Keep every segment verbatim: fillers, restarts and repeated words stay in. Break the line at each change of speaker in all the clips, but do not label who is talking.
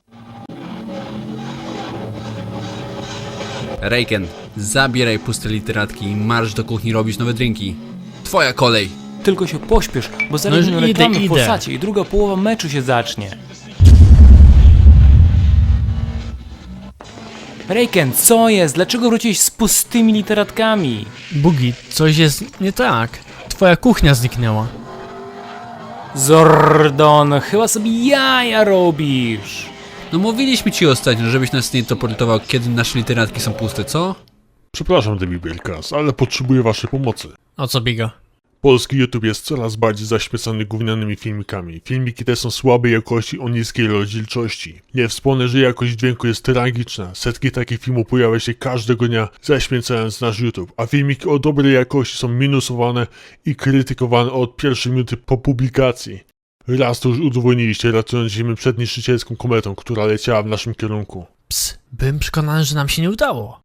Reiken, zabieraj puste literatki i marsz do kuchni robić nowe drinki. Twoja kolej!
Tylko się pośpiesz, bo zaraz
już
będą
idę,
reklamy w
idę.
Polsacie i druga połowa meczu się zacznie. Reiken, co jest? Dlaczego wróciłeś z pustymi literatkami?
Bugi, coś jest nie tak. Twoja kuchnia zniknęła.
Zordon, chyba sobie jaja robisz.
No mówiliśmy ci ostatnio, żebyś nas nie toportował, kiedy nasze literatki są puste, co?
Przepraszam, David Wielkas, ale potrzebuję waszej pomocy.
O co biga?
Polski YouTube jest coraz bardziej zaśmiecony gównianymi filmikami. Filmiki te są słabej jakości o niskiej rozdzielczości. Nie wspomnę, że jakość dźwięku jest tragiczna. Setki takich filmów pojawia się każdego dnia, zaśmiecając nasz YouTube. A filmiki o dobrej jakości są minusowane i krytykowane od pierwszej minuty po publikacji. Raz to już udowodniliście, ratując Ziemię przed niszczycielską kometą, która leciała w naszym kierunku.
Ps, byłem przekonany, że nam się nie udało.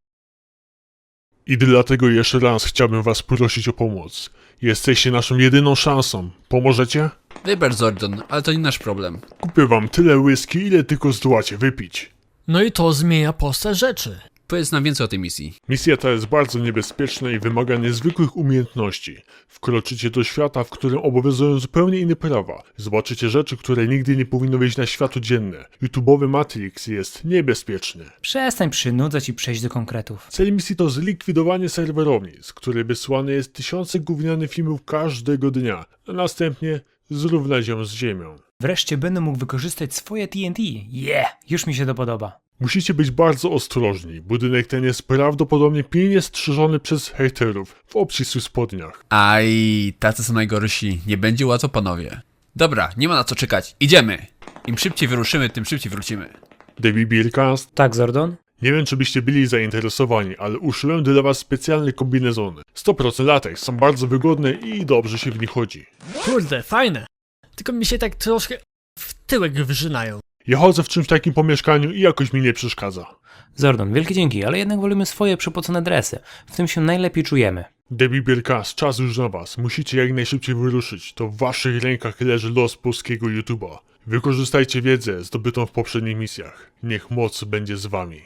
I dlatego jeszcze raz chciałbym was prosić o pomoc. Jesteście naszą jedyną szansą. Pomożecie?
Wybacz, Zordon, ale to nie nasz problem.
Kupię wam tyle whisky, ile tylko zdołacie wypić.
No i to zmienia postać rzeczy.
Powiedz nam więcej o tej misji.
Misja ta jest bardzo niebezpieczna i wymaga niezwykłych umiejętności. Wkroczycie do świata, w którym obowiązują zupełnie inne prawa. Zobaczycie rzeczy, które nigdy nie powinny wyjść na światło dzienne. YouTube'owy Matrix jest niebezpieczny.
Przestań przynudzać i przejść do konkretów.
Cel misji to zlikwidowanie serwerowni, z której wysłane jest tysiące gównianych filmów każdego dnia, a następnie zrównać ją z ziemią.
Wreszcie będę mógł wykorzystać swoje T N T. Yeah, już mi się to podoba.
Musicie być bardzo ostrożni. Budynek ten jest prawdopodobnie pilnie strzeżony przez hejterów w obcisłych spodniach.
Aj, tacy są najgorsi. Nie będzie łatwo, panowie. Dobra, nie ma na co czekać. Idziemy! Im szybciej wyruszymy, tym szybciej wrócimy.
David Beercast.
Tak, Zordon?
Nie wiem, czy byście byli zainteresowani, ale uszyłem dla was specjalne kombinezony. sto procent lateks, są bardzo wygodne i dobrze się w nich chodzi.
Kurde, fajne. Tylko mi się tak troszkę w tyłek wyrzynają.
Ja chodzę w czymś takim po mieszkaniu i jakoś mi nie przeszkadza.
Zordon, wielkie dzięki, ale jednak wolimy swoje przepocone dresy. W tym się najlepiej czujemy.
David Beercast, czas już na was. Musicie jak najszybciej wyruszyć. To w waszych rękach leży los polskiego YouTube'a. Wykorzystajcie wiedzę zdobytą w poprzednich misjach. Niech moc będzie z wami.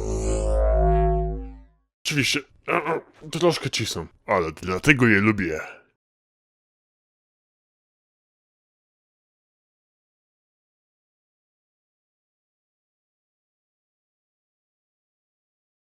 Oczywiście, troszkę cisną, ale dlatego je lubię.